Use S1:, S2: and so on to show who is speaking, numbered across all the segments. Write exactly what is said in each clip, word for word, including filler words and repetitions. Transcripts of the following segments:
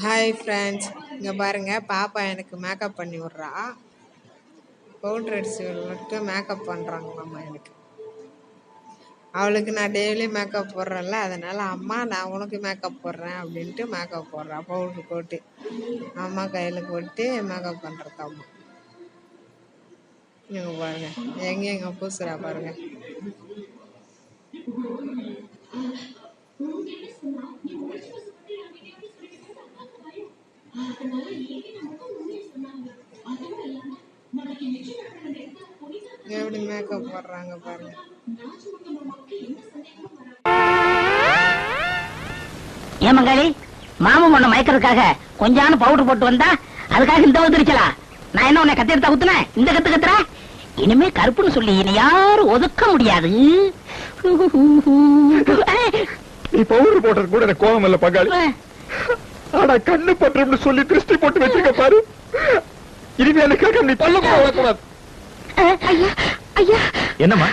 S1: Hi friends, இங்கே பாருங்கள், பாப்பா எனக்கு மேக்கப் பண்ணி விட்றா. பவுட்ரு அடிச்சு விட்டு மேக்கப் பண்ணுறாங்களாம்மா எனக்கு. அவளுக்கு நான் டெய்லி மேக்கப் போடுறேன்ல, அதனால் அம்மா நான் உனக்கு மேக்கப் போடுறேன் அப்படின்ட்டு மேக்கப் போடுறா. பவுட்ரு போட்டு அம்மா கையில் போட்டு மேக்கப் பண்ணுறது அம்மா. இங்கே பாருங்கள், எங்கே எங்கே பூசுறா பாருங்கள். எப்படி மேக்கப் போடுறாங்க பாருங்க.
S2: ஏமங்காளி, மாமன் ஒண்ணு மயக்கிறதுக்காக கொஞ்சான பவுடர் போட்டு வந்தா அதுக்காக இந்த வந்துருச்சலா? நான் என்ன உன்னை கத்தி எடுத்தா குத்துனேன்? இந்த கத்து கத்துற? இனிமே கருப்புன்னு சொல்லி இனி யாரும் ஒதுக்க முடியாது.
S3: நீ பவுடர் போட்டது கூட எனக்கு கோபம் இல்ல பங்காளி. ஆனா கண்ணு பட்டும்னு சொல்லி திருஷ்டி போட்டு வச்சிருக்க பாரு. இனிமே எனக்காக நீ பல்ல போடக்கூடாது. என்னம்மா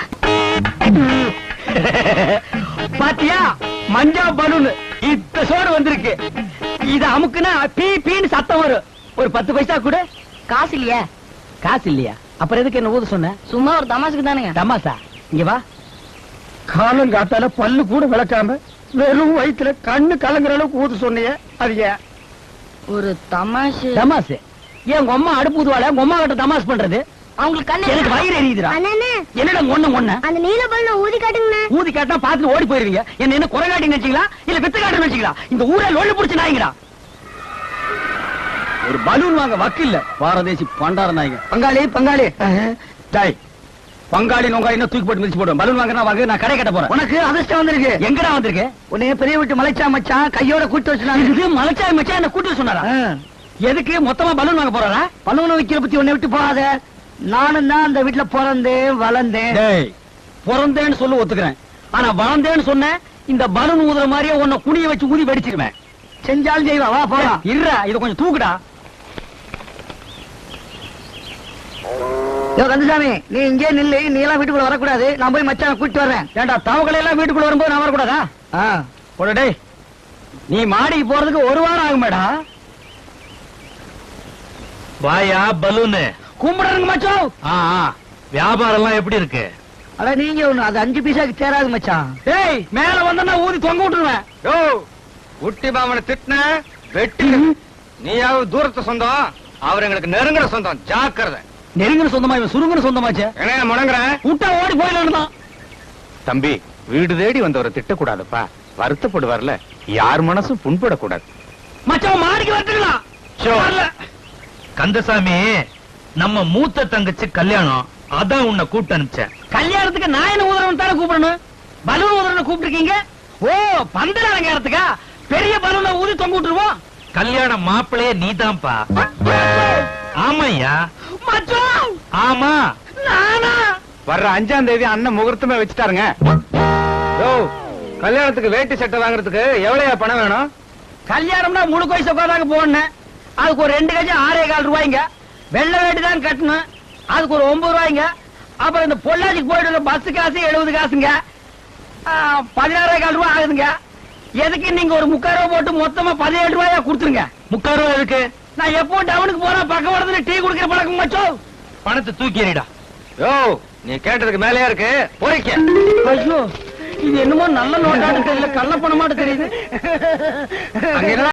S4: பாத்தியா, மஞ்சா பலூன் இத்த சோடு வந்திருக்கு. இத அமுக்குனா பீ பீன்னு சத்தம் வரும். ஒரு பத்து பைசா கூட
S2: காசு இல்லையா?
S4: காசு இல்லையா? அப்புறம் எதுக்கு என்ன ஊத சொன்ன?
S2: சும்மா ஒரு தமாசுக்கு தானுங்க.
S4: தமாசா? இங்க வா. காலம் காத்தால பல்லு கூட விளக்காம வெறும் வயிற்றுல கண்ணு கலங்குற அளவுக்கு ஊத சொன்னிய, அது ஏன்?
S2: ஒரு தமாஷு.
S4: தமாசு? ஏன் உங்க அம்மா அடுப்பு ஊதுவாள? உங்க அம்மா கிட்ட தமாஸ் பண்றது?
S2: அவங்களுக்கு கண்ணு
S4: எனக்கு வயிறு எரியுதுடா. என்னடா ஒண்ணு ஒண்ணு
S2: அந்த நீல பல்ல ஊதி காட்டுங்க.
S4: ஊதி காட்டினா பாத்துட்டு ஓடி போயிருவீங்க. என்ன என்ன குறை காட்டி நினைச்சீங்களா இல்ல வித்து காட்டு நினைச்சீங்களா? இந்த ஊரை லொள்ளு புடிச்சு நாய்ங்கடா. ஒரு பலூன் வாங்க வக்கு இல்ல பாரதேசி பண்டார நாய்ங்க. பங்காளி பங்காளி டாய் பங்காளி நோங்காளி என்ன தூக்கி போட்டு மிதிச்சு போடுவேன். பலூன் வாங்கினா வாங்க, நான் கடை கட்ட போறேன். உனக்கு அதிர்ஷ்டம் வந்திருக்கு. எங்கடா வந்திருக்கு? உன்னைய பெரிய விட்டு மலைச்சா மச்சான் கையோட கூட்டு வச்சுனாங்க. மலைச்சா மச்சான் என்ன கூட்டு சொன்னாரா? எதுக்கு மொத்தமா பலூன் வாங்க போறாரா? பலூன் வைக்கிற பத்தி உன்னை விட்டு போகாத. நானும் தான் அந்த வீட்டுல பிறந்தேன் வளர்ந்தேன். பிறந்தேன்னு சொல்லு ஒத்துக்கிறேன். ஆனா வளர்ந்தேன்னு சொன்ன இந்த பலூன் ஊதுற மாதிரியே உன்னை குனிய வச்சு ஊதி வெடிச்சிருவேன். செஞ்சாலும் செய்வா. வா போலாம். இருடா, இத கொஞ்சம் தூக்குடா. கந்தசாமி, நீ இங்கே நில்லு. நீ எல்லாம் வீட்டுக்குள்ள வரக்கூடாது. நான் போய் மச்சான் கூட்டிட்டு வர்றேன். ஏண்டா, தவகளை எல்லாம் வீட்டுக்குள்ள வரும்போது நான் வரக்கூடாதா? போடே, நீ மாடிக்கு போறதுக்கு ஒரு வாரம் ஆகும் மேடா.
S5: வாயா பலூனு
S4: கும்பிடுறங்க மச்சான்.
S5: வியாபாரம் எல்லாம் எப்படி இருக்கு?
S4: அட நீங்க ஒண்ணு, அது அஞ்சு பைசாக்கு தேராது மச்சான். ஏய், மேல வந்தா ஊதி தொங்க விட்டுருவேன்.
S3: யோ உட்டி மாமனை திட்டின வெட்டி. நீயாவது தூரத்து சொந்தம், அவர் எங்களுக்கு நெருங்குற சொந்தம். ஜாக்கிரதை.
S4: நெருங்கின சொந்தமா இவன் சுருங்கின சொந்தமாச்சு.
S3: என்ன முடங்குற?
S4: விட்டா ஓடி போயிடலாம்.
S3: தம்பி, வீடு தேடி வந்தவரை திட்டக்கூடாதுப்பா. வருத்தப்படுவார்ல, யார் மனசும் புண்படக்கூடாது.
S4: மச்சான் மாடிக்கு வந்துக்கலாம்.
S5: கந்தசாமி, நம்ம மூத்த தங்கச்சி கல்யாணம், அதான் உன்னை கூப்பிட்டு அனுப்பிச்சேன்.
S4: கல்யாணத்துக்கு நான் என்ன ஊதுறவன் தானே கூப்பிடணும். பலூன் ஊதுறவனை கூப்பிட்டுருக்கீங்க. ஓ, பந்தல் அலங்காரத்துக்கா? பெரிய பலூனை ஊதி தொங்க விட்டுருவோம்.
S5: கல்யாண மாப்பிள்ளையே நீதான்ப்பா. ஆமாய்யா.
S4: மச்சான்.
S5: ஆமா.
S4: நானா?
S3: வர்ற அஞ்சாம் தேதி அண்ணன் முகூர்த்தமே வச்சுட்டாருங்க. யோ, கல்யாணத்துக்கு வேட்டி சட்டை வாங்குறதுக்கு எவ்வளவு பணம் வேணும்?
S4: கல்யாணம்னா முழு வயசு உட்காந்தாங்க போடணும். அதுக்கு ஒரு ரெண்டு கஜம் ஆறே கால் ரூபாய்ங்க. வெள்ளை வேட்டி தான் கட்டணும். அதுக்கு ஒரு ஒன்பது ரூபாய்ங்க. அப்புறம் இந்த பொள்ளாச்சிக்கு போயிட்டு பஸ் காசு எழுபது காசுங்க. பதினாறே கால் ரூபாய் ஆகுதுங்க. எதுக்கு நீங்க ஒரு முக்கால் ரூபாய் போட்டு மொத்தமா பதினேழு ரூபாயா கொடுத்துருங்க.
S5: முக்கால் ரூபாய் இருக்கு.
S4: நான் எப்போ டவுனுக்கு போறேன், பக்கவாடத்துல டீ குடிக்கிற பழக்கம் மச்சோ.
S5: பணத்தை தூக்கி எறிடா.
S3: யோ, நீ கேட்டதுக்கு மேலேயா இருக்கு. போறிக்க.
S4: ஐயோ, இது என்னமோ நல்ல நோட்டாட்டு தெரியல, கள்ள பணமாட்டு தெரியுது.